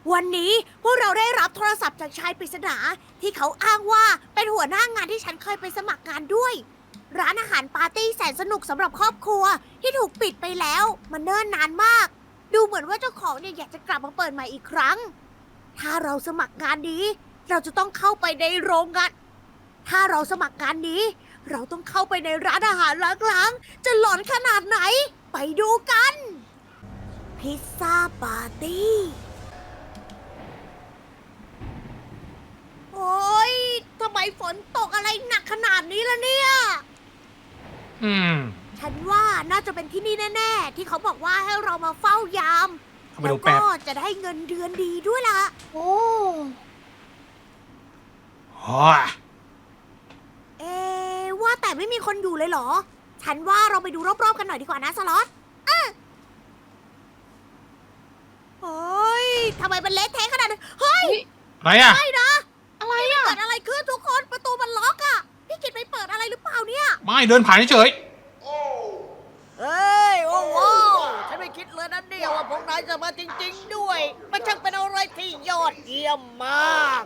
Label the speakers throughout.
Speaker 1: วันนี้พวกเราได้รับโทรศัพท์จากชายปริศนาที่เขาอ้างว่าเป็นหัวหน้างานที่ฉันเคยไปสมัครงานด้วย ร้านอาหารปาร์ตี้แสนสนุกสำหรับครอบครัวที่ถูกปิดไปแล้วมันเนิ่นนานมาก ดูเหมือนว่าเจ้าของเนี่ยอยากจะกลับมาเปิดใหม่อีกครั้ง ถ้าเราสมัครงานนี้ เราจะต้องเข้าไปในโรงงาน ถ้าเราสมัครงานนี้ เราต้องเข้าไปในร้านอาหารล้างๆจะหลอนขนาดไหน ไปดูกัน พิซซ่าปาร์ตี้ โอ๊ย ทำไมฝนตกอะไรหนักขนาดนี้ล่ะเนี่ย ฉันว่าน่าจะเป็นที่นี่แน่ๆ ที่เขาบอกว่าให้เรามาเฝ้ายาม
Speaker 2: เข้าไป
Speaker 1: แล้ว
Speaker 2: ดูแป๊
Speaker 1: ก็
Speaker 2: บ
Speaker 1: จะได้เงินเดือนดีด้วยล่ะ โอ้ เอะว่าแต่ไม่มีคนอยู่เลยเหรอ ฉันว่าเราไปดูรอบๆกันหน่อยดีกว่านะสล็อตโอ้ยทำไมมันเละเทะขนาดนั้นเฮ้ย
Speaker 2: อะไรอ่ะ
Speaker 1: ไม่นะ
Speaker 3: อะไรอ่ะ
Speaker 1: เกิดอะไรขึ้นทุกคนประตูมันล็อกอะพี่กิตไปเปิดอะไรหรือเปล่าเนี่ย
Speaker 2: ไม่เดินผ่านเฉย
Speaker 1: เฮ้ย โอ้โหฉันไม่คิดเลยนะเนี่ยว่าพวกนายจะมาจริงๆด้วย มันช่างเป็นอะไรที่ยอดเยี่ยมมาก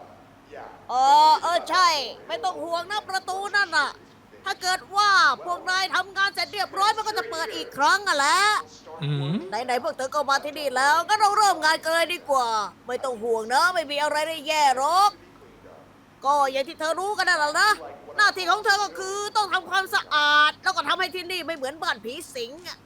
Speaker 1: ใช่ ไม่ต้องห่วงนะประตูนั่นน่ะ ถ้าเกิดว่าพวกนายทำงานเสร็จเรียบร้อยมันก็จะเปิดอีกครั้งอ่ะแหละ ไหนๆพวกเธอก็มาที่นี่แล้วก็เราเริ่มงานกันเลยดีกว่า ไม่ต้องห่วงนะ ไม่มีอะไรได้แย่หรอก ก็อย่างที่เธอรู้กันนั่นแหละนะ หน้าที่ของเธอก็คือต้องทำความสะอาด แล้วก็ทำให้ที่นี่ไม่เหมือนบ้านผีสิงอ่ะ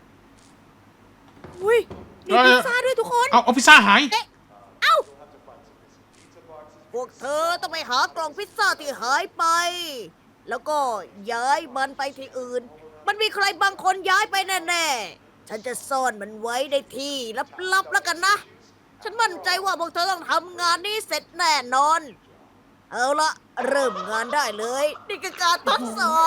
Speaker 1: อุ้ยมีพิซซ่าด้วยทุกคน
Speaker 2: เอาพิซซ่าหาย
Speaker 1: เอ้า พวกเธอต้องไปหากล่องพิซซ่าที่หายไป แล้วก็ย้ายมันไปที่อื่น มันมีใครบางคนย้ายไปแน่ๆ ฉันจะซ่อนมันไว้ในที่ลับๆแล้วกันนะ ฉันมั่นใจว่าพวกเธอต้องทำงานนี้เสร็จแน่นอน เอาละเริ่มงานได้เลย นี่คือการทดสอบ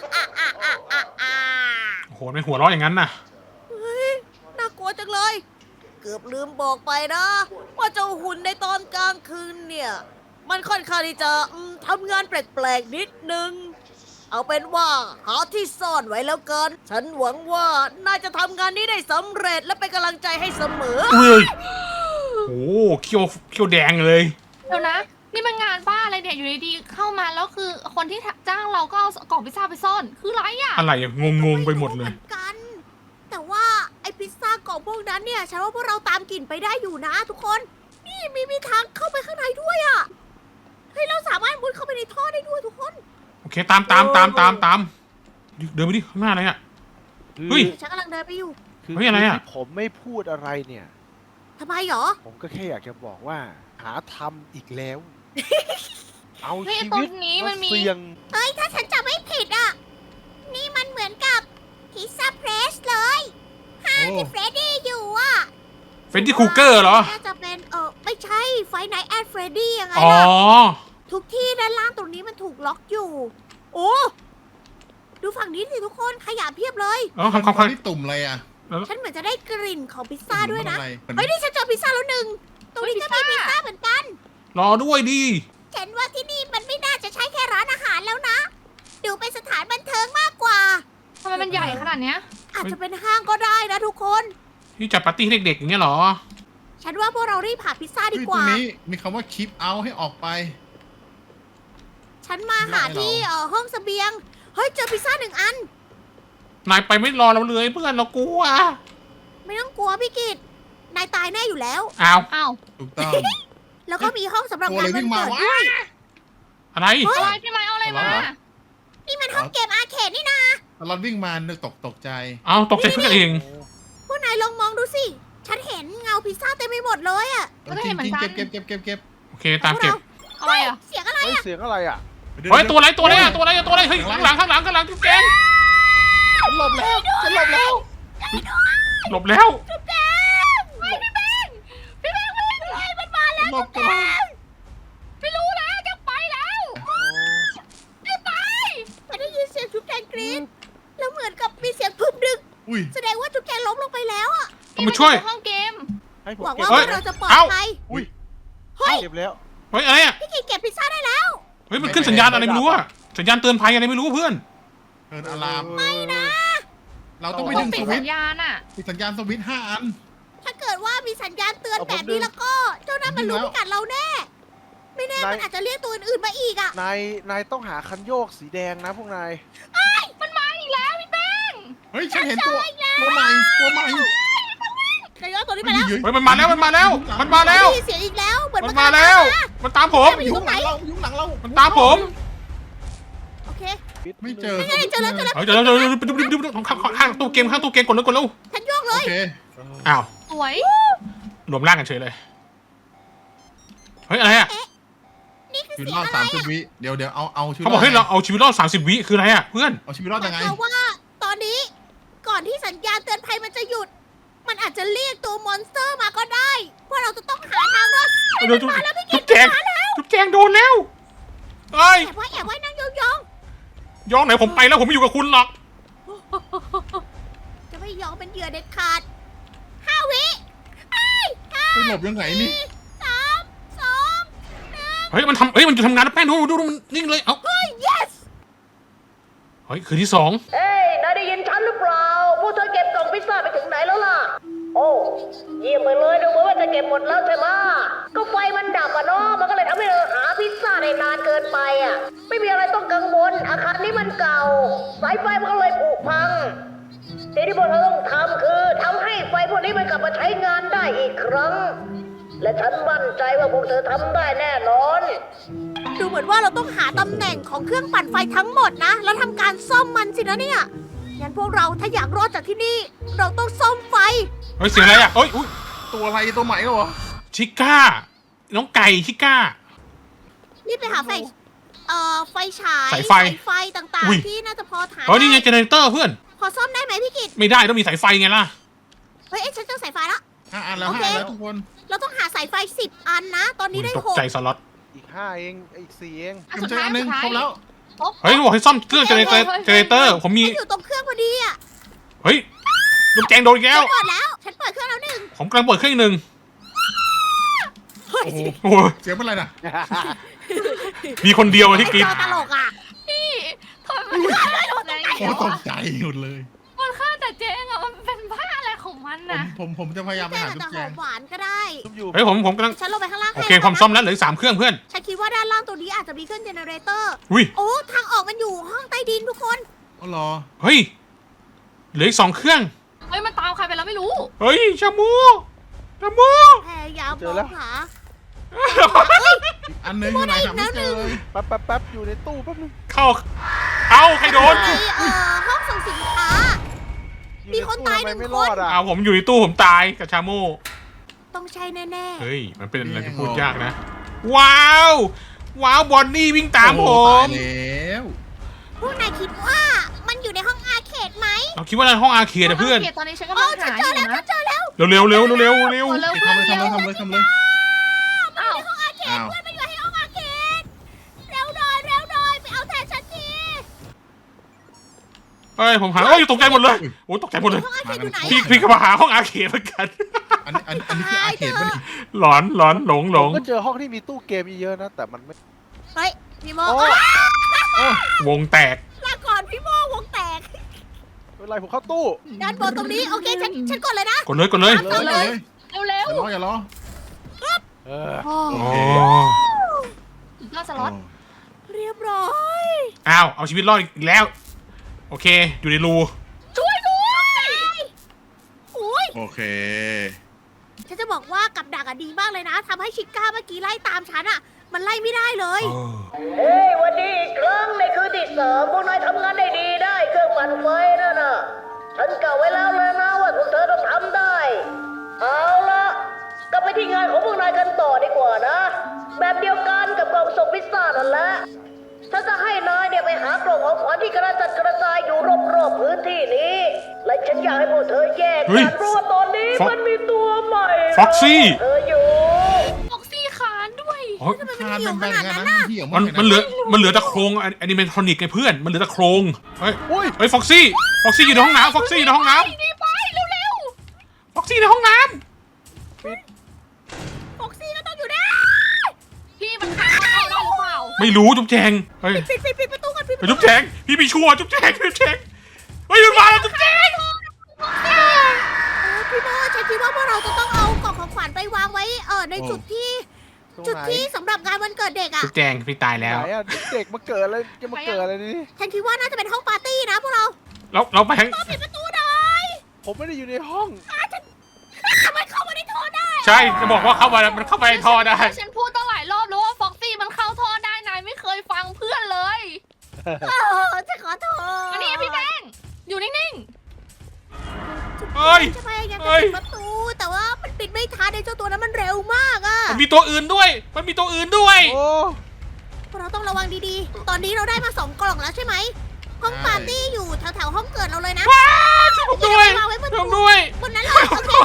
Speaker 2: โอ้โหไม่หัวเราะอย่างนั้นน่ะ
Speaker 1: เฮ้ย น่ากลัวจังเลย เกือบลืมบอกไปนะ ว่าเจ้าหุ่นในตอนกลางคืนเนี่ย มันค่อนข้างที่จะทำงานแปลกๆนิดนึง เอาเป็นว่าหาที่ซ่อนไว้แล้วกัน ฉันหวังว่าน่าจะทำงานนี้ได้สำเร็จและเป็นกำลังใจให้เสมอ
Speaker 2: เฮ้ย โอ้โหเขียวแดงเลย
Speaker 3: เดี๋ยวนะ นี่มันงานบ้าอะไรเนี่ย อยู่ดีๆเข้ามาแล้วคือคนที่จ้างเราก็เอากล่องพิซซ่าไปซ่อน คืออะไรอ่ะ
Speaker 2: อะไรอะงงไปหมดเลย
Speaker 1: ไรู้อนกัน แต่ว่าไอพิซซ่ากล่องพวกนั้นเนี่ยฉันว่าพวกเราตามกลิ่นไปได้อยู่นะทุกคน นี่มีทางเข้าไปข้างในด้วยอะ่ะเฮ้ยเราสามารถมุดเข้าไปในท่อได้ด้วยทุกคน
Speaker 2: โอเคตามเดินไปดิข้างหน้าอะไรอ่ะ เฮ้ย
Speaker 1: ฉันกำลังเดินไปอยู่
Speaker 4: คือ
Speaker 2: เฮ้ยอะไรอะ
Speaker 4: ที่ผมไม่พูดอะไรเนี่ย
Speaker 1: ทำไมหรอ
Speaker 4: ผมก็แค่อยากจะบอกว่า หาทำอีกแล้ว เอา
Speaker 3: เฮ้ย
Speaker 4: ชี
Speaker 3: ตร
Speaker 4: วิต
Speaker 3: งนี้มันมี
Speaker 4: เสี่ยง
Speaker 1: เฮ้ยถ้าฉันจำไม่ผิดอ่ะ นี่มันเหมือนกับพิซซ่าเพรสเลยห้างที่เฟรดดี้อยู่อ่ะ
Speaker 2: เฟนดี้คูเกอร์เหรอ
Speaker 1: น่าจะเป็นไม่ใช่ไฟไนท์แอดเฟรดดี้ยังไง
Speaker 2: อ๋อ
Speaker 1: ล่ะ ทุกที่ด้านล่างตรงนี้มันถูกล็อกอยู่ โอ้ ดูฝั่งนี้สิทุกคนขยะเพียบเลย
Speaker 2: คำ
Speaker 5: นี่ตุ่มอะไรอ่ะ
Speaker 1: ฉันเหมือนจะได้กลิ่นของพิซซ่าด้วยนะ
Speaker 5: ตุ่มอะไร
Speaker 1: เฮ้ยนี่ฉันเจอพิซซ่าแล้วหนึ่ง ตรงนี้ก็มีพิซซ่าเหมือนกัน
Speaker 2: รอด้วยดิ
Speaker 1: ฉันว่าที่นี่มันไม่น่าจะใช่แค่ร้านอาหารแล้วนะ ดูเป็นสถานบันเทิงมากกว่า
Speaker 3: ทำไมมันใหญ่ขนาดเนี้ย
Speaker 1: อาจจะเป็นห้างก็ได้นะทุกคน
Speaker 2: ที่จัดปาร์ตี้ให้เด็กๆอย่างเงี้ยเหรอ
Speaker 1: ฉันว่าพวกเรารีบหาพิซซ่าดี
Speaker 5: เฮ้ย
Speaker 1: ก
Speaker 5: ตรง
Speaker 1: ว่า
Speaker 5: นี้มีคำว่า keep out ให้ออกไป
Speaker 1: ฉันมาหาที่ห้องเสบียง เฮ้ยเจอพิซซ่าหนึ่งอัน
Speaker 2: นายไปไม่รอเราเลยเพื่อนเรากลัว
Speaker 1: ไม่ต้องกลัวพี่กิตนายตายแน่อยู่แล้ว
Speaker 2: อ้าว
Speaker 3: อ้าว
Speaker 5: ถูกต้อง
Speaker 1: แล้วก็มีห้องสำหรับ
Speaker 5: ตัว
Speaker 1: งา
Speaker 5: อะไร
Speaker 1: นวั
Speaker 5: วิ่
Speaker 1: น
Speaker 5: งมา
Speaker 1: เกิด
Speaker 5: วะ
Speaker 1: ด้วย
Speaker 2: อะไร
Speaker 3: อะไรพี่ไม้เอาอะไรมา
Speaker 1: นี่มันห้องเกมอาร์เคดนี่นะ
Speaker 5: ตลอดวิ่งมานึกตกใจ
Speaker 2: เอาตกใจเพื่อนเอง
Speaker 1: พวกนายลองมองดูสิ ฉันเห็นเงาพิซซ่าเต็มไปหมดเลยอะ
Speaker 3: ก็ได้เห็นเหมือนกัน
Speaker 5: เก็บ
Speaker 2: โอเคตามเก็บ
Speaker 3: อะไรอ่ะ
Speaker 1: เสียงอะไร
Speaker 4: เฮ้ยเสียงอะไรอ่ะ
Speaker 2: เฮ้ยตัวอะไรตัวอะไรเฮ้ยข้างหลังจุ๊บแจง
Speaker 5: ฉันหลบแล้ว
Speaker 2: หลบแล้ว
Speaker 1: จุ๊บแดงเฮ้ยพี่แบงค์เลยมันมาแล้ว
Speaker 5: หลบก่อน
Speaker 1: ไม่รู้แล้วจะไปแล้วจะไปมันได้ยินเสียงจุ๊บแดงกรี๊ดแล้วเหมือนกับมีเสียงพึบดึง
Speaker 5: อุ้ย
Speaker 1: แสดงว่าจุ๊บแดงล้มลงไปแล้วอะ
Speaker 2: ต้องมาช่วย
Speaker 3: ห้องเกม
Speaker 4: ให้ผม
Speaker 1: หวัง
Speaker 4: เก็บ
Speaker 1: ว่า
Speaker 2: เฮ้ย
Speaker 1: เราจะปลอด
Speaker 2: เอ้า
Speaker 1: ภัย
Speaker 4: อุ้ย
Speaker 1: เฮ้ย
Speaker 4: เก็บแล้ว
Speaker 2: เฮ้ยอะไรอ่ะ
Speaker 1: พี่กินเก็บพิซซ่าได้แล้ว
Speaker 2: เฮ้ยมันขึ้นสัญญาณอะไรไม่รู้อะสัญญาณเตือนภัยอะไรไม่รู้เพื่อน
Speaker 5: เกินอะลาม
Speaker 1: ไม่นะ
Speaker 5: เราต้องไป
Speaker 3: ต้อ
Speaker 5: ดึ
Speaker 3: ง
Speaker 5: ง
Speaker 3: ปิ
Speaker 5: ส
Speaker 3: ด
Speaker 5: วิ
Speaker 3: สั
Speaker 5: ต
Speaker 3: ญ
Speaker 5: ช์
Speaker 3: ญาณอ่ะ
Speaker 5: ปิดสัญญาณสวิตช์5 อัน
Speaker 1: ถ้าเกิดว่ามีสัญญาณเตือนแบบนี้แล้วก็ เจ้านั่นมันรู้พิกัดเราแน่ ไม่แน่มันอาจจะเรียกตัวอื่นๆมาอีกอ่ะ
Speaker 4: นายต้องหาคันโยกสีแดงนะพวกนาย
Speaker 3: มันมาอีกแล้วพี่แป้ง
Speaker 5: เฮ้ยฉันเห็นตัวใหม่ตัวใหม่
Speaker 1: นายยอดตัวนี้ไปแล้ว
Speaker 2: เฮ้ยมันมาแล้วมันมาแล้วมันมาแล้ว
Speaker 1: ได้ยินเสียงอีกแล้ว เหมือน
Speaker 2: มัน
Speaker 1: น
Speaker 2: มาแล้ว มันตามผม
Speaker 5: อยู่ข้างหลังเราอยู่ข้างหลังเรา
Speaker 2: มันตามผม
Speaker 1: โอเค
Speaker 5: ไม่เจอ
Speaker 1: ไม่เจอแล้วเจอแล้ว
Speaker 2: เฮ้ยเดี๋ยวดูข้างตู้เกมกดเลยกดแล้ว
Speaker 1: ฉันโยกเล
Speaker 5: โอย เค
Speaker 2: อ้าว
Speaker 3: สวย
Speaker 2: รวมร่างกันเฉยเลยเฮ้ยอะไรอ่ะ
Speaker 1: นี่คือ
Speaker 5: ชีวิต
Speaker 1: เสีย
Speaker 5: รง อด
Speaker 1: อะไร
Speaker 5: 30 วิเดี๋ยวเอาชีวิต
Speaker 2: เขาบอกให้เราเอาชีวิตรอด30 วิคืออะไรอ่ะเพื่อน
Speaker 5: เอาชีวิตรอดยังไง
Speaker 1: เพราะว่าตอนนี้ก่อนที่สัญญาณเตือนภัยมันจะหยุด มันอาจจะเรียกตัวมอนสเตอร์มาก็ได้เพราะเราจะต้องหาทางรอด
Speaker 2: เดี๋ยวจุ๊บแจงโดนแล้วเอ้ย
Speaker 1: แอบไว้นั่งยอง
Speaker 2: ย้อนไหนผมไปแล้วผมไม่อยู่กับคุณหรอก
Speaker 1: ๆจะไม่ยอมเป็นเหยื่อเด็ดขาด5 วิไอ้
Speaker 5: ไปหลบยังไงนี่
Speaker 1: 3 2
Speaker 2: เฮ้ยมันจะทำงานแล้วแป้งดูมันนิ่งเลยเอ้า
Speaker 1: 1 yes
Speaker 2: เฮ้ยคืนที่2
Speaker 6: เฮ้ยนายได้ยินฉันหรือเปล่า พวกเธอเก็บกล่องพิซซ่าไปถึงไหนแล้วล่ะ โอ้เยี่ยมไปเลยดูเหมือนว่าจะเก็บหมดแล้วใช่ไหมก็ไฟมันดับอะเนาะ มันก็เลยทำให้เราหาพิซซ่าได้นานเกินไปอะไม่มีอะไรต้องกังวล อาคารนี้มันเก่า สายไฟมันก็เลยผุพัง สิ่งที่พวกเธอต้องทำคือทำให้ไฟพวกนี้มันกลับมาใช้งานได้อีกครั้ง และฉันมั่นใจว่าพวกเธอทำได้แน่นอน
Speaker 1: ดูเหมือนว่าเราต้องหาตำแหน่งของเครื่องปั่นไฟทั้งหมดนะ แล้วทำการซ่อมมันสินะเนี่ย งั้นพวกเราถ้าอยากรอดจากที่นี่ เราต้องซ่อมไฟ
Speaker 2: เฮ้ยเสียงอะไรอ่ะเฮ้ยอุ๊ย
Speaker 5: ตัวอะไรตัวใหม่แล้วเหรอ
Speaker 2: ชิก้าน้องไก่ชิก้า
Speaker 1: รีบไปหาไฟ ไฟฉาย
Speaker 2: สายไฟ
Speaker 1: ไฟต่าง
Speaker 2: อุ๊ย
Speaker 1: ๆ ที่น่าจะพอถ่าย
Speaker 2: เฮ้ยนี่ไงเจเนเรเตอร์เพื่อน
Speaker 1: พอซ่อมได้ไหมพี่กิต
Speaker 2: ไม่ได้ต้องมีสายไฟไงล่ะ
Speaker 1: เฮ้ยฉันเจอสายไฟแล้ว
Speaker 5: 5 อันแล้ว
Speaker 1: โอเค
Speaker 5: 5 อันแล้วทุกคน
Speaker 1: เราต้องหาสายไฟ10 อันนะ ตอนนี้ได้
Speaker 2: ตก
Speaker 1: 6
Speaker 2: ใจสล็อต
Speaker 4: อีก5เองอีก4เอง
Speaker 3: อัน
Speaker 5: ผม
Speaker 3: สุด
Speaker 5: เจอ
Speaker 3: ท้าย
Speaker 5: อันหนึง
Speaker 3: สุดท้าย
Speaker 5: ครบแล้ว
Speaker 2: เฮ้ยบอกให้ซ่อมเครื่องเจเนเรเตอร์ผมมี
Speaker 1: มันอยู่ตรงเครื่องพอดีอ่ะ
Speaker 2: เฮ้ยลูกแจงโดนอีกแล้ว
Speaker 1: ฉันเปิดแล้ว ฉันเปิดเครื่องแล้วหนึ่ง
Speaker 2: ผมกำลังเปิดเครื่องอีกหนึ่ง
Speaker 1: เฮ้ย
Speaker 2: โอ้โห
Speaker 5: เสียงเป็นไรน่ะ
Speaker 2: มีคนเดียวอะที่กรีด
Speaker 1: เจอตลกอ่ะ
Speaker 3: พี่ทำไมมันฆ่าแต่เจ๊ง
Speaker 5: โอ้ตกใจหยุดเลย
Speaker 3: มันฆ่าแต่เจ๊งอะมันเป็นบ้าอะไรของมันน่ะ
Speaker 5: ผมจะพยายามไป
Speaker 1: แจ้ง
Speaker 5: หา
Speaker 1: อาจ
Speaker 5: ทุ
Speaker 1: จะ
Speaker 5: ก
Speaker 1: ห
Speaker 5: แจ
Speaker 1: อง มหวานก็ได้
Speaker 4: ทุบอยู่
Speaker 2: เฮ้ยผมกำลัง
Speaker 1: ฉันลงไปข้างล่าง
Speaker 2: โอ
Speaker 1: ให้
Speaker 2: เคความซ่อมแล้วเหลืออก3เครื่องเพื่อน
Speaker 1: ฉันคิดว่าด้านล่างตัวนี้อาจจะมีเครื่องเจเนเรเตอร์
Speaker 2: อุ้ย
Speaker 1: โอ้ ทางออกมันอยู่ห้องใต้ดินทุกคน
Speaker 5: อ๋อเหรอ
Speaker 2: เฮ้ยเหลืออีก2เครื่อง
Speaker 3: เฮ้ยมันตามใครไปแล้วไม่รู้
Speaker 2: เฮ้ยชามูชามู
Speaker 1: พยายามมองหา
Speaker 5: อันหนึงอยู่ไหนหาไม่เจอเลย
Speaker 4: แป๊บอยู่ในตู้แป๊บนึง
Speaker 2: เข้าเอาใครโดน
Speaker 1: ในห้องส่งสินค้า
Speaker 4: อยู่
Speaker 1: มี
Speaker 4: ใน
Speaker 1: คน
Speaker 4: ตู้
Speaker 1: ตาย
Speaker 4: ทำไม
Speaker 1: 1
Speaker 4: ไม่
Speaker 1: คน
Speaker 4: รอดอ่ะ
Speaker 2: เอาผมอยู่ในตู้ผมตายกับชามู
Speaker 1: ต้องใช่แน่
Speaker 2: เฮ้ยมันเป็นอะไรที่พูดยากนะ ว้าวบอนนี่วิ่งตามผ
Speaker 5: โอ้ตาย
Speaker 2: ม
Speaker 5: แล้ว
Speaker 1: ๆ พวกนายคิดว่ามันอยู่ในห้องอาร์เคดไหม
Speaker 2: เราคิดว่าในห้องอาร์เคดอะเพื่อน
Speaker 3: ตอนนี้ฉันกำ
Speaker 1: โอ้
Speaker 3: ลัง
Speaker 1: ฉัน
Speaker 3: หา
Speaker 1: เจ
Speaker 3: อ
Speaker 1: อยู่ แล้ว
Speaker 3: นะ
Speaker 1: ฉันเจอแล้ว
Speaker 2: เร็ว
Speaker 3: เร็ว
Speaker 5: ทำเลย
Speaker 3: เพื่อน
Speaker 5: ทำเลย
Speaker 3: เร็ว
Speaker 5: ทำเลยทำเลย
Speaker 3: อ้าว
Speaker 5: อ้าว
Speaker 1: เพื่อนมันอยู่ในห้องอาร์เคดเร็วหน่อยไปเอาแทนฉันที
Speaker 2: เฮ้ยผมหาเอ้ยตกใจหมดเลยโอ้ตกใจหมดเลย
Speaker 1: ห้องอาร์เคดอยู่ไหน
Speaker 2: พี่ก็มาหาห้องอาร์เคดเหมือนกัน
Speaker 5: อันนี้คืออาร์เคดป่ะนี่
Speaker 2: หลอนหลง
Speaker 4: ผมก็เจอห้องที่มีตู้เกมเยอะๆนะ แต่มันไม่
Speaker 1: เฮ้ยพี่โม
Speaker 4: โอ้
Speaker 2: วงแตก
Speaker 1: ลาก่อนพี่โมวงแตก
Speaker 4: เป็นไรผมเข้าตู้
Speaker 1: ด้านบนตรงนี้โอเคฉันกดเลยนะ
Speaker 2: กดเลย
Speaker 5: เลย
Speaker 1: เอาเลย
Speaker 3: เร็ว
Speaker 5: อย่ารอ
Speaker 4: เออ
Speaker 3: โอ้
Speaker 5: โอ
Speaker 2: โอ้
Speaker 5: เค
Speaker 3: ยอดสล็อต
Speaker 1: เรียบร้อย
Speaker 2: อ้าวเอาชีวิตรอดอีกแล้ว โอเค อยู่ในรู
Speaker 1: ช่วยด้วยอุ้ย
Speaker 5: โอเค
Speaker 1: ฉันจะบอกว่ากับดักอะดีมากเลยนะทำให้ชิก้าเมื่อกี้ไล่ตามฉันอะมันไล่ไม่ได้เลย
Speaker 6: เฮ้ยวันนี้อีกครั้งในคืนที่3พวกนายทำงานได้ดีได้เครื่องปั่นไฟนั่นน่ะ ฉันกะไว้แล้วเลยนะว่าพวกเธอต้องทำได้ เอาละกลับไปที่งานของพวกนายกันต่อดีกว่านะ แบบเดียวกันกับกล่องส่งพิซซ่านั่นแหละ ฉันจะให้นายเนี่ยไปหากล่องของขวัญที่กระจัดกระจายอยู่รอบๆพื้นที่นี้ และฉันอยากให้พวกเธอแยก
Speaker 2: เฮ้ย
Speaker 6: กันเพราะว่าตอนนี้มันมีตัวใหม่
Speaker 2: ฟ็อกซี่
Speaker 6: เธออยู่
Speaker 3: ฟ็อกซี่คานด้วย
Speaker 2: โอ้ย
Speaker 1: ทำไม
Speaker 5: คา
Speaker 1: มัน
Speaker 5: น
Speaker 1: เหี่ยว
Speaker 5: แบ
Speaker 1: ข
Speaker 5: นๆ
Speaker 1: นาด
Speaker 5: กัน
Speaker 1: นั้น
Speaker 5: นะ
Speaker 1: น่ะ
Speaker 5: มันเหี่ยว
Speaker 2: มันเหลือแต่โครงแอนิเมทรอนิกไงเพื่อนมันเหลือแต่โครงเฮ้ย
Speaker 4: อุ้ย
Speaker 2: เฮ้ยฟ็อกซี่อยู่ในห้องน้ำฟ็อกซี่อยู่ในห้องน้
Speaker 3: นี่ไปเร็ว
Speaker 2: ำฟ็อกซี่ในห้องน้
Speaker 1: ฟ็อกซี่ก็ต้องอยู่ได้
Speaker 3: ๆพี่มันฆ่าเข้าได้หรือเปล่า
Speaker 2: ำไม่รู้จุ๊บแจงเฮ้ย
Speaker 1: ปิดประตูกันปิด
Speaker 2: ไปจุ๊บแจงพี่มีชัวร์จุ๊บแจงเฮ้ยมันมาแล้วจุ๊บแจง
Speaker 1: พี่โมฉันคิดว่าพวกเราจะต้องเอาในจุดที่
Speaker 4: ตรง
Speaker 1: จุด
Speaker 4: ไหน
Speaker 1: ที่สำหรับงานวันเกิดเด็กอ่ะ
Speaker 2: จุ๊บแจงพี่ตายแล้ว
Speaker 4: ไหนอะเด็กมาเกิดอะไรจะมาเกิดอะไรนี่
Speaker 1: ฉันคิดว่าน่าจะเป็นห้องปาร์ตี้นะพวกเรา
Speaker 2: เราไปทั้ง
Speaker 1: ปิดประตูหน่อย
Speaker 4: ผมไม่ได้อยู่ในห้อง
Speaker 1: มันเข้ามาในท่อได้
Speaker 2: ใช่จะบอกว่าเข้ามามันเข้าไปในท่อได้
Speaker 3: ฉันพูดตั้งหลายรอบแล้วว่าฟ็อกซี่มันเข้าท่อได้นายไม่เคยฟังเพื่อนเลย
Speaker 1: จะขอโทษ
Speaker 3: อันนี้พี่แป้งอยู่นิ่ง
Speaker 2: เฮ้ย
Speaker 1: จะพยายาม
Speaker 2: เฮ้
Speaker 1: จะ
Speaker 2: ย
Speaker 1: ปิดประตู แต่ว่ามันปิดไม่ทันไอ้เจ้าตัวนั้นมันเร็วมากอ่ะ
Speaker 2: มันมีตัวอื่นด้วย มันมีตัวอื่นด้วย
Speaker 4: โอ้
Speaker 1: พวกเราต้องระวังดีๆ ตอนนี้เราได้มา2 กล่องแล้วใช่ไหม ห้องปาร์ตี้อยู่แถวๆห้องเกิดเราเลยนะ
Speaker 2: ผมด้วย
Speaker 1: วางไว้บน
Speaker 2: ผ
Speaker 1: ตู้
Speaker 2: มด้วย
Speaker 1: บนนั้นเลยโอเค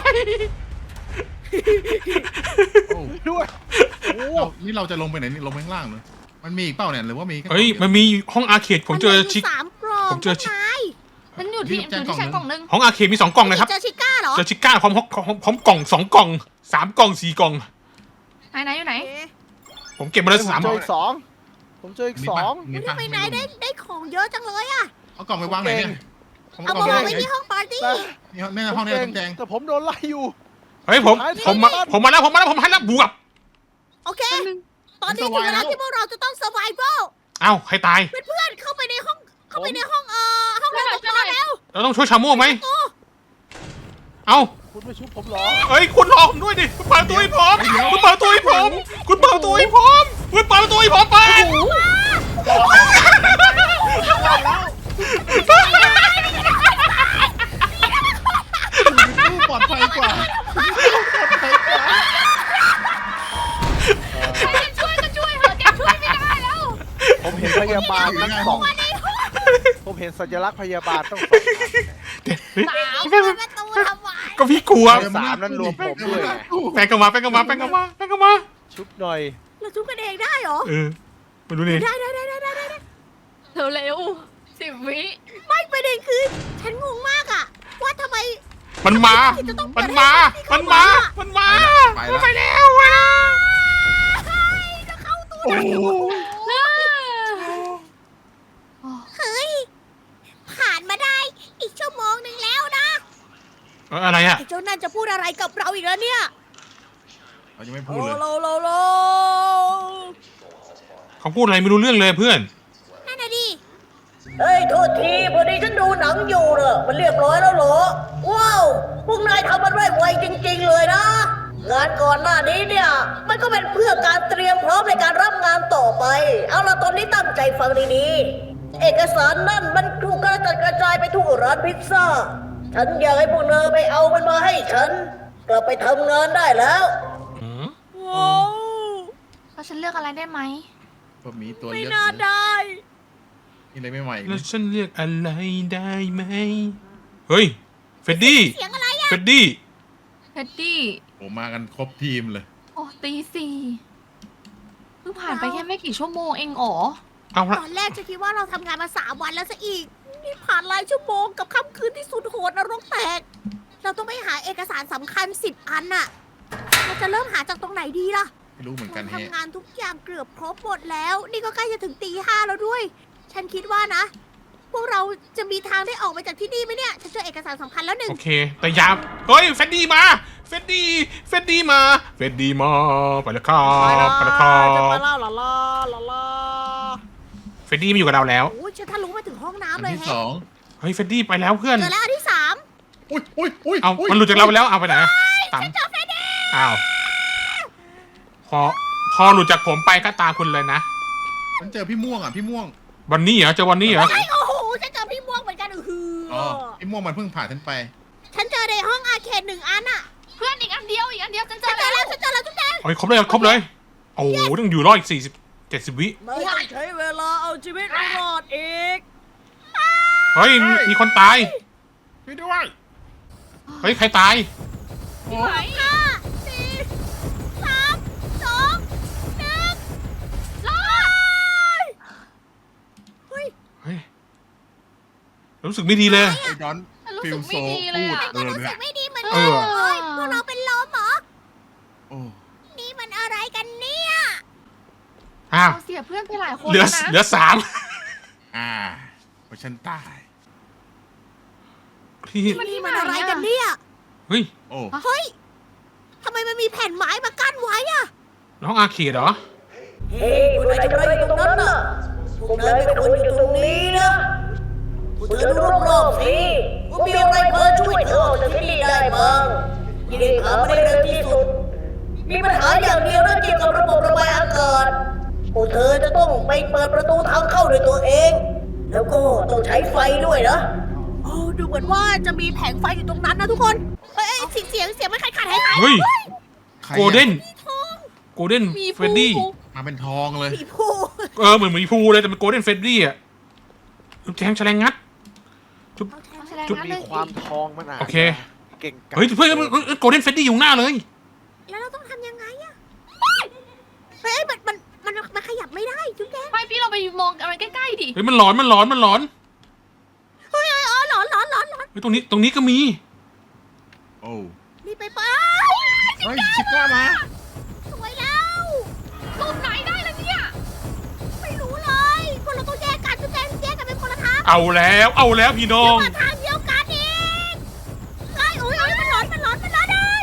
Speaker 5: โอ้
Speaker 4: ด้วยโอ้
Speaker 5: นี่เราจะลงไปไหนนี่ลงไปข้างล่างเลยมันมีอีกเปล่าเนี่ยหรือว่ามีแค่
Speaker 2: เฮ้ย มันมีห้องอาร์เคดผมเจอชิค
Speaker 1: มันมียู่3 กล่อง
Speaker 2: ผมเจอชิ
Speaker 1: พวกนาย
Speaker 3: ๆฉันอยู่ที่ฉันกล่องนึง
Speaker 2: ห้องอาร์เคดมี2 กล่องนะครับ
Speaker 1: เจอชิก้าเหรอ
Speaker 2: เจอชิก้าพร้อมกล่อง2 กล่อง3 กล่อง4 กล่อง
Speaker 3: ไหนอยู่ไหน
Speaker 1: เอ๊ะ
Speaker 2: ผมเก็บมาแล้ว
Speaker 4: ผม
Speaker 2: 3
Speaker 4: เจออีกสองผมเจออีก
Speaker 5: มี
Speaker 4: สอ
Speaker 5: ปะ
Speaker 4: ง
Speaker 5: มี
Speaker 1: ทำ
Speaker 5: ปะ
Speaker 1: ไมนายได้ของเยอะจังเลยอ่ะ
Speaker 5: เอากล่องไปวางไหนเนี่ย
Speaker 1: เอามาวางไว้ที่ห้องปาร์ตี้
Speaker 5: แม่ห้องนี้ต้องแดง
Speaker 4: แต่ผมโดนไล่อยู่
Speaker 2: เฮ้ยผมมาแล้วบวก
Speaker 1: โอเค ตอนนี้ถึงเวลาที่พวกเราจะต้อง survival
Speaker 2: เอ้าใครตาย
Speaker 1: เพื่อนๆเข้าไปในห้องห้องห้องรปภแล้ว
Speaker 2: เราต้องช่วยชาโม่ไหมเอ้า
Speaker 4: คุณไม่ชุบผมเหรอ
Speaker 2: เฮ้ยคุณรอผมด้วยดิคุณเปิดประตูให้ผมคุณเปิดประตูให้ผมคุณเปิดประตูให้ผมคุณเปิดประตูให้ผมไป
Speaker 5: ตู้ปลอดภัยกว่า
Speaker 3: ช่วยก็ช่วยเถอะแกช่วยไม่ได้แล้ว
Speaker 4: ผมเห็นพยาบาลทั้งสองผมเห็นสัญลักษณ์พยาบาลต้องสอง
Speaker 1: สาวเปิดประตูทำไม
Speaker 2: ก็พี่กลัว
Speaker 4: สามนั้นรวมผมด้วยไง
Speaker 2: แป้งก็มา
Speaker 4: ชุบหน่อย
Speaker 1: เราทุบกันเองได้เหรอ
Speaker 2: เออมาดูนี่
Speaker 1: ได้
Speaker 3: เร็วๆ10 วิ
Speaker 1: ไม่ประเด็นคือ ฉันงงมากอะว่าทำไม
Speaker 2: มันมา
Speaker 1: ไปแล้ว
Speaker 2: ไปแล้วเว้ย
Speaker 1: จะเข้าตู้
Speaker 5: โอ้โห
Speaker 1: เฮ้ย ผ่านมาได้อีกชั่วโมงหนึ่งแล้วนะ
Speaker 2: อะไรอ่ะ
Speaker 1: ไอ้เจ้านั่นจะพูดอะไรกับเราอีกแล้วเนี่ย
Speaker 5: เรายังไม่พูดเลย
Speaker 1: โล
Speaker 2: เขาพูดอะไรไม่รู้เรื่องเลยเพื่อน
Speaker 1: นั่นน่ะดิ
Speaker 6: เฮ้ย โทษทีพอดีฉันดูหนังอยู่เนอะมันเรียบร้อยแล้วเหรอ ว้าว พวกนายทำมันไวจริงๆเลยนะ งานก่อนหน้านี้เนี่ย มันก็เป็นเพื่อการเตรียมพร้อมในการรับงานต่อไป เอาละตอนนี้ตั้งใจฟังดีๆ เอกสารนั่นมันถูกกระจัดกระจายไปทั่วร้านพิซซ่า ฉันอยากให้พวกเธอไปเอามันมาให้ฉัน กลับไปทำงานได้แล้ว
Speaker 1: ว้าว
Speaker 3: แล้วฉันเลือกอะไรได้ไหม
Speaker 5: ก็มีตัว
Speaker 1: ไม่
Speaker 5: เลือก
Speaker 1: น่าได้
Speaker 5: มีอะไรใหม่ๆ
Speaker 2: แล้วฉันเรียกอะไรได้ไหมเฮ้ยเฟดดี้
Speaker 1: เสียงอะไรอะ
Speaker 2: เฟดดี้
Speaker 3: เฮดดี้
Speaker 5: ผมมากันครบทีมเลย
Speaker 3: โอ้ตี 4เพิ่งผ่านไปแค่ไม่กี่ชั่วโมงเองอ๋อ
Speaker 2: เอาละ
Speaker 1: ตอนแรกจะคิดว่าเราทำงานมา3 วันแล้วซะอีก นี่ผ่านหลายชั่วโมงกับค่ำคืนที่สุดโหดนรกแตก เราต้องไปหาเอกสารสำคัญ10 อันน่ะ เราจะเริ่มหาจากตรงไหนดีล่ะ
Speaker 5: ไม่รู้เหมือนกัน
Speaker 1: เรา
Speaker 5: แฮะ
Speaker 1: ทำงานทุกอย่างเกือบครบหมดแล้ว นี่ก็ใกล้จะถึงตี 5แล้วด้วย ฉันคิดว่านะ พวกเราจะมีทางได้ออกไปจากที่นี่ไหมเนี่ย ฉันเจอเอกสารสำคัญแล้วหนึ่ง
Speaker 2: โอเค แต่ยามเฮ้ยเฟดดี้มาเฟดดี้มาไปแล้วครับไปแล้วครับ
Speaker 1: มาล่าล่า
Speaker 2: เฟดดี้มาอยู่กับเราแล้ว
Speaker 1: โอ้ยฉันทะลุมาถึงห้อง
Speaker 5: อั
Speaker 1: น้ำ
Speaker 5: น
Speaker 1: เลย
Speaker 5: ที่
Speaker 1: แฮะ
Speaker 5: สอง
Speaker 2: เฮ้ยเฟดดี้ไปแล้วเพื่อน
Speaker 1: เจอแล้วอันที่ 3
Speaker 5: อุ้ย
Speaker 2: เอามันหลุดจากเราไปแล้วเอาไปไหนตามอ้าวพอหลุดจากผมไปก็ตามคุณเลยนะ
Speaker 5: ฉันเจอพี่ม่วงอ่ะพี่ม่วง
Speaker 2: วันนี้เหรอเจอวันนี้เหรอ
Speaker 1: ไอ้โอ้โหฉันเจอพี่ม่วงเหมือนกันอือ
Speaker 5: อ๋อพี่ม่วงมันเพิ่งผ่านฉันไป
Speaker 1: ฉันเจอในห้องอาร์เคด1 อันอ่ะ
Speaker 3: เพื่อนอีกอันเดียวฉันเจ
Speaker 1: ฉั
Speaker 3: อน
Speaker 1: เจอ
Speaker 3: แล้
Speaker 1: แล้ว วฉันเจอแล้วจุ๊บแดง
Speaker 2: โอ้ยครบเลยโอ้โหต้องอยู่รอดอีก70 วิ
Speaker 1: ไม่ใช้เวลาเอาชีวิตรอดอีก
Speaker 2: เฮ้ยมีคนตาย
Speaker 5: พี่ด้วย
Speaker 2: เฮ้ยใครตาย
Speaker 3: ไหน
Speaker 1: 5 4 3 2 1
Speaker 3: รอด
Speaker 1: เฮ้ย
Speaker 2: เฮ้ยรู้สึกไม่ดีเลย
Speaker 5: ไอ้ดอน
Speaker 3: ฉันรู้
Speaker 5: ฟิ
Speaker 3: สึ
Speaker 5: ล
Speaker 3: ก
Speaker 5: โซ
Speaker 3: ไม่ดีเลยอ่ะ
Speaker 1: ก็รู้สึ
Speaker 5: เนี่
Speaker 1: ก
Speaker 5: ย
Speaker 1: ไม่ดีเหมือน
Speaker 2: เอ
Speaker 1: กัน
Speaker 2: อ
Speaker 1: เฮ้ยพวกเราเป็นลมเหรอ
Speaker 5: โอ้
Speaker 1: นี่มันอะไรกันเนี่ย
Speaker 2: อ้าว
Speaker 3: เราเสียเพื่อนไปหลายคน
Speaker 2: เหลือ
Speaker 3: นะ
Speaker 2: เหลือ3
Speaker 5: เพราะฉันตาย
Speaker 2: พี่
Speaker 1: นี่มันอะไรกันเนี่ย
Speaker 2: เฮ้ย
Speaker 5: โอ้
Speaker 1: เฮ้ยทำไมมันมีแผ่นไม้มากั้นไว้อะ
Speaker 2: น้องอาเขตเหรอ
Speaker 6: เฮ้ยพวกนายทำอะไรอยู่ตรงนั้นน่ะพวกนายไม่ควรอยู่ตรงนี้นะพวกเธอดูรอบๆสิว่ามีอะไรพอช่วยเธอออกจากที่นี่ได้บ้างยิ่งหาไม่ได้เร็วที่สุด มีปัญหาอย่างเดียวนะเกี่ยวกับระบบระบายอากาศพวกเธอจะต้องไปเปิดประตูทางเข้าด้วยตัวเอง แล้วก็ต้องใช้ไฟด้วยนะ
Speaker 1: โอ้ดูเหมือนว่าจะมีแผงไฟอยู่ตรงนั้นนะทุกคนเอ้ยเสียงมันขาดหาย
Speaker 2: เฮ้ย
Speaker 5: ใครอะ
Speaker 2: โกลเด้น
Speaker 1: ทอง
Speaker 2: โกลเด้น
Speaker 3: มี
Speaker 2: เฟรดดี้
Speaker 5: มาเป็นทองเลย
Speaker 1: ผีผู้
Speaker 2: เหมือนหมีภูเลยแต่เป็นโกลเด้นเฟรดดี้อ่ะจุ๊บแจงแฉลงงัด
Speaker 3: แสดง
Speaker 4: จุด
Speaker 3: นั้น
Speaker 4: มี
Speaker 3: เลย
Speaker 4: ความทองมันอ่ะ
Speaker 2: โอเค
Speaker 4: เก่งกาจ
Speaker 2: เฮ้ยเพื่อนโกลเด้นเฟรดดี้อยู่หน้าเลย
Speaker 1: แล้วเราต้องทำยังไงอะเฮ้ยมันขยับไม่ได้จุ๊บแจ๊
Speaker 3: ไม่พี่เราไปมองอะไรใกล้ๆดิ
Speaker 2: เฮ้ยมันหลอนมันหลอนมันหลอน
Speaker 1: เฮ้ยอ๋อหลอน
Speaker 2: เฮ้ยตรงนี้ก็มี
Speaker 5: โอ้
Speaker 1: นี่ไป
Speaker 5: เฮ้ยชิก้ามา
Speaker 1: สวยแล้ว
Speaker 3: รูปไหนได้ล่ะเนี่ย
Speaker 1: ไม่รู้เลยพวกเราต้องแยกกันจุ๊บแจ๊แยกกันเป็นคนละทาง
Speaker 2: เอาแล้วพี่น้อง
Speaker 1: มาทางเดียวกันอีกไอ้โอ้ยมันร้อนเลย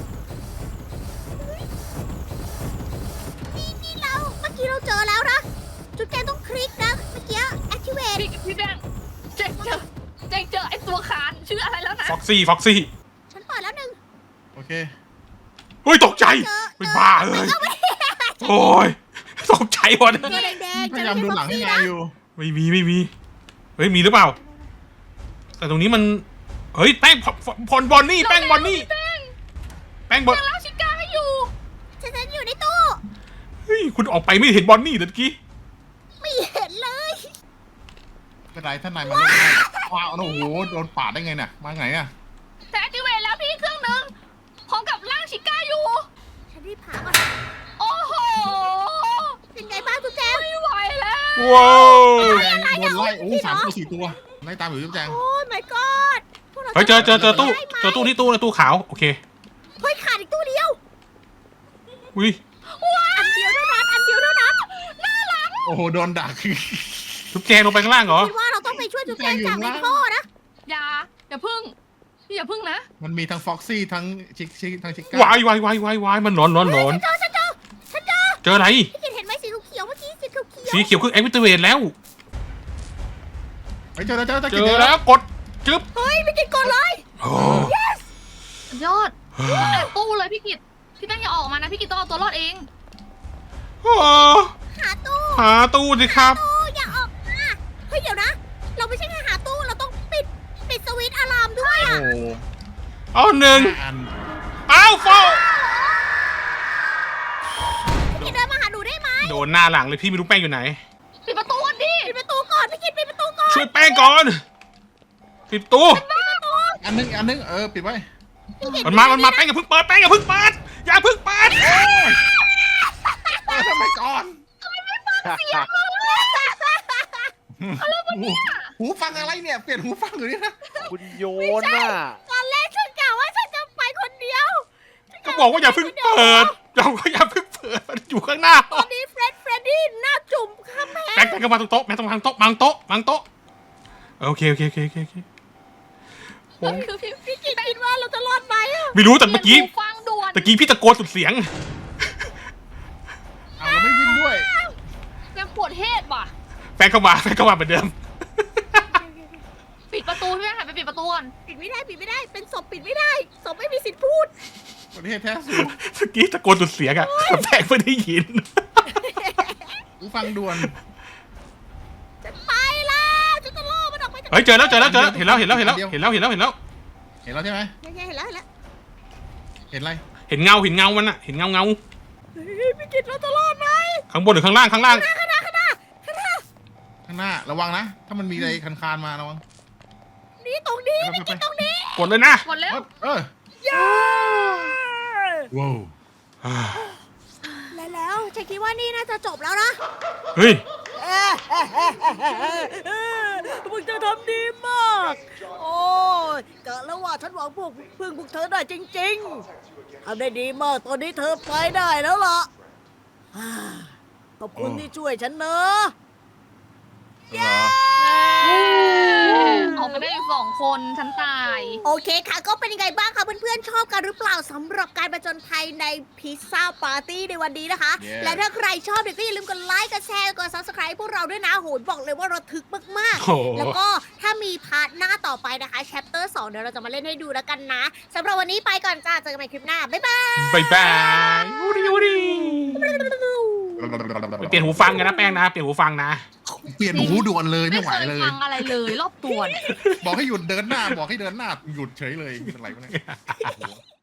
Speaker 1: นี่เราเมื่อกี้เราเจอแล้วนะจุ๊บแจ๊ต้องคลิกนะเมื่อกี้ activate
Speaker 3: พี่แดงเจ๊เจอไอ้ตัวคานชื่ออะไรแล้วนะ
Speaker 2: ฟ็อกซี่
Speaker 1: ฉันเปิดแล้วหนึ่ง
Speaker 5: โอเค
Speaker 2: เฮ้ยตกใจ
Speaker 1: เจอ
Speaker 2: ไม่บ้าเลยโอ้ยตกใจหมด
Speaker 1: ตัวแดงๆ
Speaker 5: พยายามดูหลังให้นายอยู่
Speaker 2: ไม่มีเฮ้ยมีหรือเปล่า แต่ตรงนี้มันเฮ้ยแป้งพลบอนนี่แป้งบอนนี่แป้งบอน
Speaker 3: เจอแล้วชิก้าให้อยู่
Speaker 1: ฉันอยู่ในตู้
Speaker 2: เฮ้ยคุณออกไปไม่เห็นบอนนี่เมื่อกี้
Speaker 1: ไม่เห็นเลย
Speaker 5: เป็นไรท่านนายมาลงได้ว้าวโอ้โหโดนปาดได้ไงเนี่ยมาไงอ่ะ
Speaker 3: แต่ activate แล้วพี่เครื่องหนึ่งพร้อมกับร่างชิก้าอยู่
Speaker 1: ฉันรีบหาก่อน
Speaker 3: โอ้โห
Speaker 1: เป็นไงบ้างทุกแจง
Speaker 3: ไม่ไหวแล้ว
Speaker 2: ว้าว
Speaker 5: แจงโดนไล่โอ้3 ตัว 4 ตัวไล่ตามอยู่จุ๊บแจง
Speaker 1: โอ้ my god พวกรา
Speaker 2: เฮ้ยเจอตู้
Speaker 1: ได้ไหม
Speaker 2: เจอตู้นี่ตู้ขาวโอเค
Speaker 1: เฮ้ยขาดอีกตู้เดียว
Speaker 2: อุ้ย
Speaker 1: อันเดียวเท่านั้นน่ารัก
Speaker 5: โอ้โหโดนดัก
Speaker 2: ทุกแจงลงไปข้างล่างเหรอ
Speaker 1: คิดว่าเราต้องไปช่วยทุกแจงจากในท่อนะ
Speaker 3: อย่าพึ่งพี่อย่าพึ่งนะ
Speaker 5: มันมีทั้งฟ็อกซี่ทั้งชิทั้งชิก้าว
Speaker 2: ายมันหลอน
Speaker 1: ฉันเจอ
Speaker 2: เจออะไร
Speaker 1: พี่กินเห็นไหมสีเขียวเมื่อกี้สีเขียว
Speaker 2: สีเขียวคือแอคทิเวตแล้ว
Speaker 5: เฮ้ยเจอแล้ว
Speaker 2: เจอแล้วกดจึ๊บ
Speaker 1: เฮ้ยพี่กินก่อนเลย
Speaker 2: โอ้
Speaker 3: สุดยอดแต่ตู้เลยพี่กิตพี่แป้งอย่าออกมานะพี่กิตต้องเอาตัวรอดเอง
Speaker 2: โอ้
Speaker 1: หาตู้
Speaker 2: หาตู้สิครับ
Speaker 1: ตู้อย่าออกมาเฮ้ยเดี๋ยวนะ เราไม่ใช่แค่หาตู้เราต้องปิดสวิตช์อะลามด้วย
Speaker 5: โอ้
Speaker 1: อะ
Speaker 5: โห
Speaker 2: เอาหนึ่ง
Speaker 5: อัน
Speaker 2: อ้าวโฟ
Speaker 1: พี่กินเดินมาหาหนูได้ไหม
Speaker 2: โดนหน้าหลังเลยพี่ไม่รู้แป้งอยู่ไหน
Speaker 3: ปิดประตูก่อนดิ
Speaker 1: ปิดประตูก่อนพี่กินปิดประตูก่อน
Speaker 2: ช่วยแป้งก่อนปิดตู้
Speaker 5: อันนึงปิดไว้
Speaker 2: มันมาแป้งอย่าเพิ่งเปิดอย่าเพิ่งเปิด
Speaker 5: ทำไมก่อนหูฟังอะไรเนี่ยเปลี่ยนหูฟังอยู่นี่นะ
Speaker 4: คุณโยนน่ะ
Speaker 1: ตอนแรกฉันกะว่าฉันจะไปคนเดียว
Speaker 2: ก็บอกว่าอย่าเพิ่งเปิดมันอยู่ข้างหน้า
Speaker 1: ตอนนี้เฟรดดี้หน้าจุ่มข้ามแพ
Speaker 2: แป้
Speaker 1: ง
Speaker 2: งก็มาตรงโต๊ะแป้งต้องวางโต๊ะวางโต๊ะโอเค
Speaker 3: คือพี่
Speaker 1: พี่กินคิดว่าเราจะรอดไหมอะ
Speaker 2: ไม่รู้แต่เมื่อกี้
Speaker 3: ฟังด่วน
Speaker 2: พี่ตะโกนสุดเสียง
Speaker 5: เอาแล้วไม่วิ่งด้วย
Speaker 3: ยังปวดเฮดว่ะ
Speaker 2: แป้งเข้ามาเหมือนเดิม
Speaker 3: ปิดประตูพี่แป้งหันไปปิดประตูก่อน
Speaker 1: ปิดไม่ได้เป็นศพปิดไม่ได้ศพไม่มีสิทธิ์พูด
Speaker 5: ประเทศแท้สู
Speaker 2: เมื่อกี้ตะโกนสุดเสียงอะแต่แป้งไม่ได้ยิน
Speaker 5: หูฟังด่วน
Speaker 1: ฉันไปแล้วฉันจะล่อมันออกไปจาก
Speaker 2: เฮ้ยเจอแล้วเห็นแล้ว
Speaker 5: เห็นแล้วใช่ไหม
Speaker 1: เห็นแล้ว
Speaker 5: เห็นอะไร
Speaker 2: เห็นเงามันอะเห็นเงา
Speaker 1: เฮ้ยพี่กินเราจะรอดไหม
Speaker 2: ข้างบนหรือข้างล่าง
Speaker 5: ข้างหน้าระวังนะ ถ้ามันมีอะไรคานมาระวัง
Speaker 1: นี่ตรงนี้พี่กินตรงนี้
Speaker 2: กดเลยนะ
Speaker 3: หมดแล้ว
Speaker 5: ว้าว
Speaker 1: แล้วฉันคิดว่านี่น่าจะจบแล้วนะ
Speaker 2: เฮ้ย
Speaker 1: พวกเธอทำดีมาก โอ้ยกะแล้วว่าฉันหวังพึ่งพวกเธอได้จริงๆทำได้ดีมากตอนนี้เธอไปได้แล้วล่ะขอบคุณที่ช่วยฉันเนอะ
Speaker 5: เหรอ
Speaker 3: ออกมาได้อยู่2 คนฉันตาย
Speaker 1: โอเคค่ะก็เป็นยังไงบ้างคะเพื่อนๆชอบกันหรือเปล่าสำหรับการประจนภัยในพิซซ่าปาร์ตี้ในวันนี้นะคะ
Speaker 5: Yeah
Speaker 1: และถ้าใครชอบเนี่ยก็อย่าลืมกดไลค์กดแชร์กด subscribe พวกเราด้วยนะโหบอกเลยว่าระทึกมาก
Speaker 2: โอ้โห
Speaker 1: ๆ แล้วก็ถ้ามีพาร์ทหน้าต่อไปนะคะ chapter 2 เดี๋ยวเราจะมาเล่นให้ดูแล้วกันนะสำหรับวันนี้ไปก่อนจ้าเจอกันใหม่คลิปหน้า บ๊ายบาย
Speaker 2: บายบายอูดิอูดิเปลี่ยนหูฟังกันนะแป้งนะ เปลี่ยนหูฟังนะ
Speaker 5: เปลี่ยนหูด่วนเลย
Speaker 3: ไม่
Speaker 5: ไม่ไหว
Speaker 3: เคย
Speaker 5: เลย
Speaker 3: ฟังอะไรเลยรอบตัวเนี่ย
Speaker 5: บอกให้หยุดเดินหน้า บอกให้เดินหน้า หยุดเฉยเลยเป็นไรวะเนี่ยโอ้โห